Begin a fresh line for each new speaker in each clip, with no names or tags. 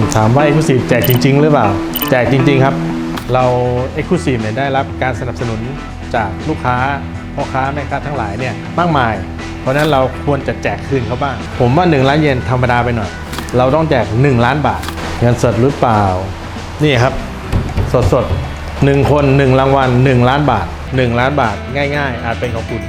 ถามว่า Exclusive แจกจริงๆหรือเปล่าแจกจริงๆครับเรา Exclusive เนี่ยได้รับการสนับสนุนจากลูกค้าพ่อค้าแม่ค้าทั้งหลายเนี่ยมากมายเพราะฉะนั้นเราควรจะแจกคืนเขาบ้างผมว่า1 ล้านเยนธรรมดาไปหน่อยเราต้องแจก1 ล้านบาทเงินสดหรือเปล่านี่ครับสด1 คน1 รางวัล1 ล้านบาท1 ล้านบาทง่ายๆอาจเป็นของคุณ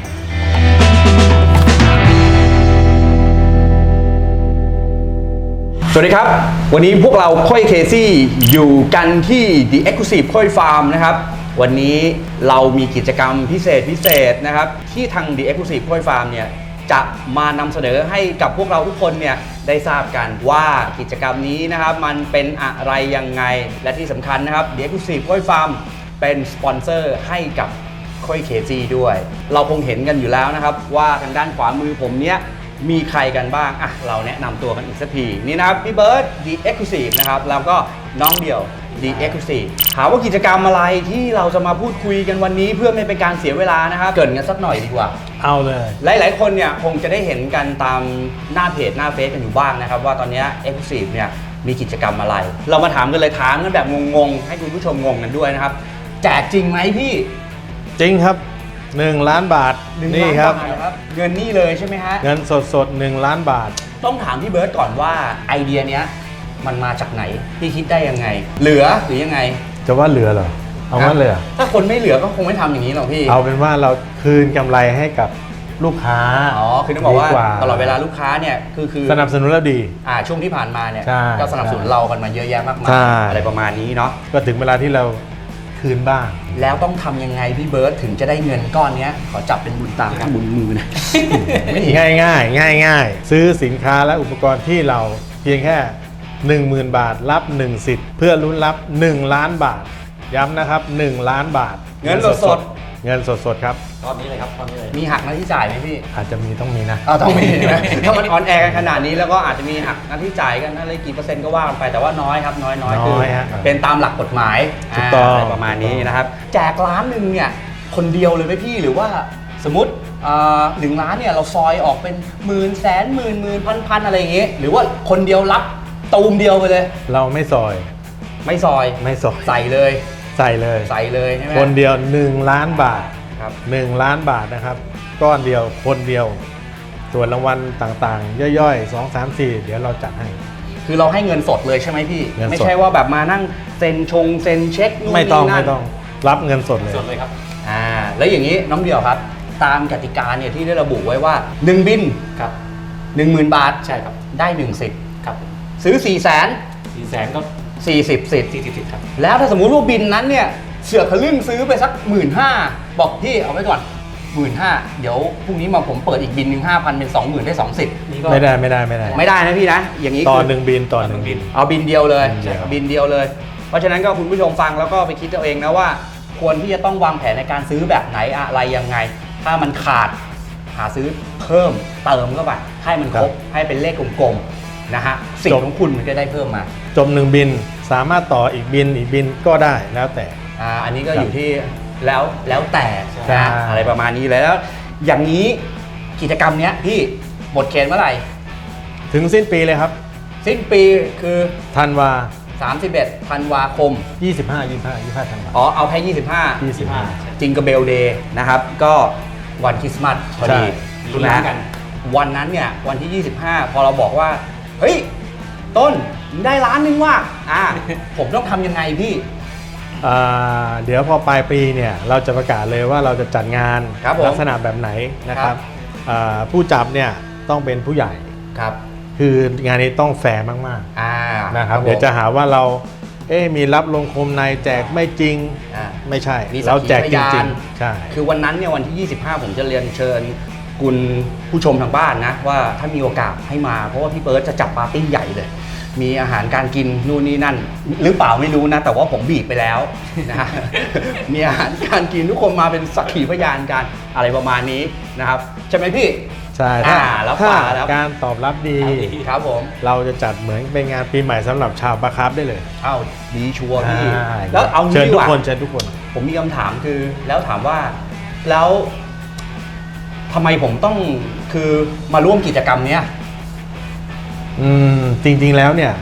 สวัสดีครับวันนี้พวกเราค่อยเคซี่อยู่กันที่ The Exclusive ค่อยฟาร์มนะครับวันนี้เรามีกิจกรรมพิเศษนะครับที่ทาง The Exclusive ค่อยฟาร์มเนี่ยจะมานำเสนอให้กับพวกเราทุกคนเนี่ยได้ทราบกันว่ากิจกรรมนี้นะครับมันเป็นอะไรยังไงและที่สำคัญนะครับ The Exclusive ค่อยฟาร์มเป็นสปอนเซอร์ให้กับค่อยเคซี่ด้วยเราคงเห็นกันอยู่แล้วนะครับว่าทางด้านขวามือผมเนี้ยมีใครกันบ้างเราแนะนำตัวกันอีกสักทีนี่นะครับพี่เบิร์ด The Exclusive นะครับแล้วก็น้องเดี่ยว The Exclusive ถามว่ากิจกรรมอะไรที่เราจะมาพูดคุยกันวันนี้เพื่อไม่เป็นการเสียเวลานะครับเกริ่นกันสักหน่อยดีกว่า
เอาเลย
หลายๆคนเนี่ยคงจะได้เห็นกันตามหน้าเพจหน้าเฟซกันอยู่บ้างนะครับว่าตอนนี้ Exclusive เนี่ยมีกิจกรรมอะไรเรามาถามกันเลยถามกันแบบงงๆให้คุณผู้ชมงงกันด้วยนะครับแจกจริงไหมพี่
จริงครับ1 ล้านบาทนี่ครับ
เงินนี่เลยใช่ไหมฮะ
เงินสด1 ล้านบาท
ต้องถามพี่เบิร์ตก่อนว่าไอเดียเนี้ยมันมาจากไหนพี่คิดได้ยังไงเหลือหรือยังไง
จะว่าเหลือเหรอเอางั้นเลย
ถ้าคนไม่เหลือก็คงไม่ทำอย่างนี้หรอกพี่
เอาเป็นว่าเราคืนกำไรให้กับลูกค้า
คือต้องบอกว่าตลอดเวลาลูกค้าเนี่ยคือ
สนับสนุนเราดี
ช่วงที่ผ่านมาเนี่ยก็สนับสนุนเรากันมาเยอะแยะมากมายอะไรประมาณนี้เนาะ
ก็ถึงเวลาที่เราคืนบ้าง
แล้วต้องทำยังไงพี่เบิร์ตถึงจะได้เงินก้อนนี้ขอจับเป็นบุญตาบุญมือนะ
ง่ายซื้อสินค้าและอุปกรณ์ที่เราเพียงแค่ 10,000 บาทรับ1 สิทธิ์เพื่อลุ้นรับ1 ล้านบาทย้ำนะครับ1 ล้านบาท
เงินสด
เงินสดครับ
ตอนนี้เลยครับตอนนี้เลยมีหักหน้าที่จ่ายไหมพี่
อาจจะต้องมีนะ
ต้องมีนะถ้ามันออนแอร์กันขนาดนี้แล้วก็อาจจะมีหักหน้าที่จ่ายกันอะไรกี่เปอร์เซ็นต์ก็ว่ากันไปแต่ว่าน้อยครับน้อยคือเป็นตามหลักกฎหมายอะไรประมาณนี้นะครับแจก1 ล้านเนี่ยคนเดียวเลยไหมพี่หรือว่าสมมติ1 ล้านเนี่ยเราซอยออกเป็นหมื่นแสนหมื่นพันอะไรอย่างเงี้ยหรือว่าคนเดียวรับตูมเดียวไปเลย
เราไม่ซอย
ใส่เลย
ใส่
เลยใช่ไหม
คนเดียว1 ล้านบาทครับ1 ล้านบาทนะครับก้อนเดียวคนเดียวส่วนรางวัลต่างๆย่อยๆ2 3 4เดี๋ยวเราจัดให้
คือเราให้เงินสดเลยใช่ไหมพี่ไม่ใช่ว่าแบบมานั่งเซ็นเช็ค
ไม่ต้องรับเงินสดเลย
ครับแล้วอย่างนี้น้องเดี่ยวครับตามกติกาเนี่ยที่ได้ระบุไว้ว่า1 บินครับ 10,000 บาทใช่ครับได้1 สิทธิ์ครับซื้อ400,000ก็40 สิทธิ์ครับแล้วถ้าสมมุติว่าบินนั้นเนี่ยเสือกทะลึ่งซื้อไปสัก 15,000 บอกพี่เอาไว้ก่อน 15,000 เดี๋ยวพรุ่งนี้มาผมเปิดอีกบินหนึ่ง 5,000 เป็น 20,000 ได้2 สิทธิ์
ไม่ได้
นะพี่นะอย่างนี้
ต่อ1 บิน
เอาบินเดียวเลยบินเดียวเลยเพราะฉะนั้นก็คุณผู้ชมฟังแล้วก็ไปคิดเอาเองนะว่าควรที่จะต้องวางแผนในการซื้อแบบไหนอะไรยังไงถ้ามันขาดหาซื้อเพิ่มเติมเข้าไปให้มันครบให้เป็นเลขกลมๆนะฮะสิ่งของคุณมันจะได้เพิ่มมา
จบ1 บินสามารถต่ออีกบินก็ได้แล้วแต่
อันนี้ก็อยู่ที่แล้วแต่อะไรประมาณนี้แล้วอย่างนี้กิจกรรมเนี้ยพี่หมดเขตเมื่อไหร่
ถึงสิ้นปีเลยครับ
สิ้นปีคือ
ธันวา
31 ธันวาคม
25 ธันวา
เอาแค่25จิงเกอร์เบลเดย์นะครับก็วันคริสต์มาสพอดีนะวันนั้นเนี่ยวันที่ 25พอเราบอกว่าเฮ้ยต้นได้1 ล้านว่ะผมต้องทำยังไงพี่
เดี๋ยวพอปลายปีเนี่ยเราจะประกาศเลยว่าเราจะจัดงานลักษณะแบบไหนนะครับผู้จับเนี่ยต้องเป็นผู้ใหญ่
ครับ
คืองานนี้ต้องแฟร์มากๆนะครับเดี๋ยวจะหาว่าเรามีรับลงคมในแจกไม่จริงไม่ใช่เราแจกจริงๆใช่
คือวันนั้นเนี่ยวันที่ 25ผมจะเรียนเชิญคุณผู้ชมทางบ้านนะว่าถ้ามีโอกาสให้มาเพราะว่าพี่เบิร์ตจะจัดปาร์ตี้ใหญ่เลยมีอาหารการกินนู่นนี่นั่นหรือเปล่าไม่รู้นะแต่ว่าผมบีบไปแล้วนะมีอาหารการกินทุกคนมาเป็นสักขีพยานกันอะไรประมาณนี้นะครับใช่ไหมพี่
ใช่ถ้าการตอบรับดี
ครับผม
เราจะจัดเหมือนเป็นงานปีใหม่สำหรับชาวบาคาร์ฟได้เลย
ดีชัวร์พี่แล้วเอา
เชิญทุกคน
ผมมีคำถามคือแล้วถามว่าแล้วทำไมผมต้องคือมาร่วมกิจกรรมเนี้ย
จริงๆแล้วเนี่ย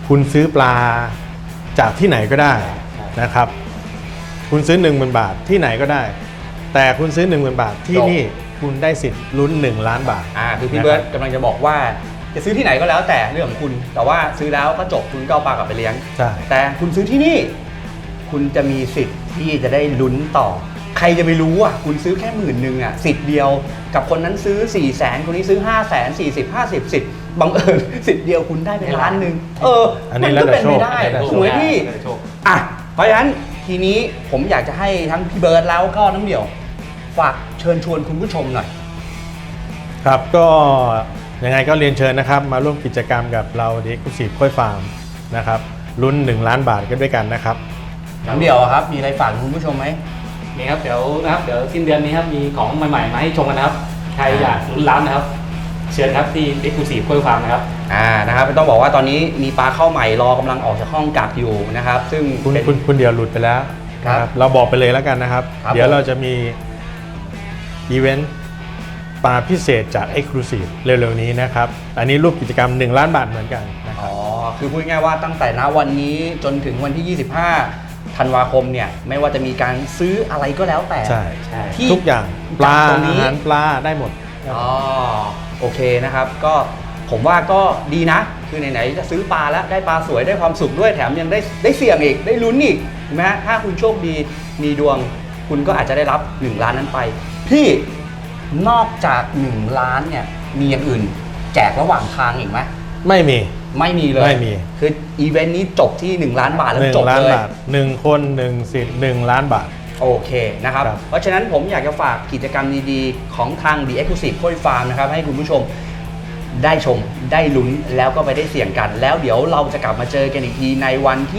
คุณซื้อปลาจากที่ไหนก็ได้นะครับ คุณซื้อ 10,000 บาทที่ไหนก็ได้ แต่คุณซื้อ 10,000 บาทที่นี่คุณได้สิทธิ์ลุ้น1 ล้านบาท
คือพี่เบิร์ตกำลังจะบอกว่าจะซื้อที่ไหนก็แล้วแต่เรื่องของคุณ แต่ว่าซื้อแล้วก็จบคุณก็เอาปลากลับไปเลี้ยง
ใช่
แต่คุณซื้อที่นี่คุณจะมีสิทธิ์ที่จะได้ลุ้นต่อ ใครจะไปรู้อ่ะคุณซื้อแค่10,000อ่ะสิทธิ์เดียวกับคนนั้นซื้อ 400,000 คนนี้ซื้อ 500,000 40 50สิทธิ์บังเอิญสิทธิ์เดียวคุณได้เป็นล้านหนึ่ง
อันนี้
มัน
แล้ว
ก็
แต่
เป็น
โช
ไป
ค
ได้
แล้วแต่โชค
ถูกไหมพี่อ่ะเพราะฉะนั้นทีนี้ผมอยากจะให้ทั้งพี่เบิร์ดแล้วก็น้ำเดี่ยวฝากเชิญชวนคุณผู้ชมหน่อย
ครับก็ยังไงก็เรียนเชิญนะครับมาร่วมกิจกรรมกับเราThe Exclusive ค่อยฟาร์มนะครับลุ้น1 ล้านบาทกันด้วยกันนะครับ
น้ำเดี่ยวอะครับมีอะไรฝากคุณผู้ชมไหม
นี่ครับเดี๋ยวสิ้นเดือนนี้ครับมีของใหม่ๆมาให้ชมกันนะครับใครอยากลุ้นล้านนะครับเชิญครับที่ Exclusive ค่อยฟาร์มนะครับ
นะครับต้องบอกว่าตอนนี้มีปลาเข้าใหม่รอกำลังออกจากห้องกักอยู่นะครับซึ่ง
คุณเดียวหลุดไปแล้ว
ครับ
นะเราบอกไปเลยแล้วกันนะครับ
ครับ
เดี๋ยวเราจะมีอีเวนต์ปลาพิเศษจาก Exclusive เร็วๆนี้นะครับ อันนี้รูปกิจกรรม1 ล้านบาทเหมือนกันนะครับ
คือพูดง่ายๆว่าตั้งแต่ณวันนี้จนถึงวันที่ 25 ธันวาคมเนี่ยไม่ว่าจะมีการซื้ออะไรก็แล้วแต่
ใช่
ที่
ทุกอย่างปลา
จากตรงนี้
อาหารปลาได้หมด
โอเคนะครับก็ผมว่าก็ดีนะ คือไหนๆจะซื้อปลาแล้วได้ปลาสวยได้ความสุขด้วยแถมยังได้เสี่ยงอีกได้ลุ้นอีกถูกไหมฮะถ้าคุณโชคดีมีดวง คุณก็อาจจะได้รับ1 ล้านนั้นไป พี่นอกจาก1 ล้านเนี่ยมีอย่างอื่นแจกระหว่างทางอีกไหม
ไม่มี
ไม่มีเลย
ไม่มี
คืออีเวนต์นี้จบที่1 ล้านบาทแล้วจบ
1 ล้าน
เลย
บาท1 คน 1 สิทธิ์1 ล้านบาท
โอเคนะครับ
ครับ
เพราะฉะนั้นผมอยากจะฝากกิจกรรมดีๆ ของทาง The Exclusive ค่อยฟาร์มนะครับให้คุณผู้ชมได้ชมได้ลุ้นแล้วก็ไปได้เสี่ยงกัน แล้วเดี๋ยวเราจะกลับมาเจอกันอีกทีในวันที่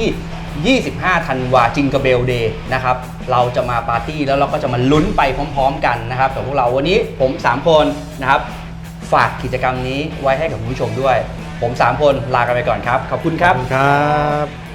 25 ธันวาจิงกะเบลเดย์นะครับเราจะมาปาร์ตี้แล้วเราก็จะมาลุ้นไปพร้อมๆกันนะครับกับพวกเราวันนี้ผม 3 คนนะครับฝากกิจกรรมนี้ไว้ให้กับคุณผู้ชมด้วย ผม 3 คนลากันไปก่อนครับขอบคุณครับ
ขอบคุณครับ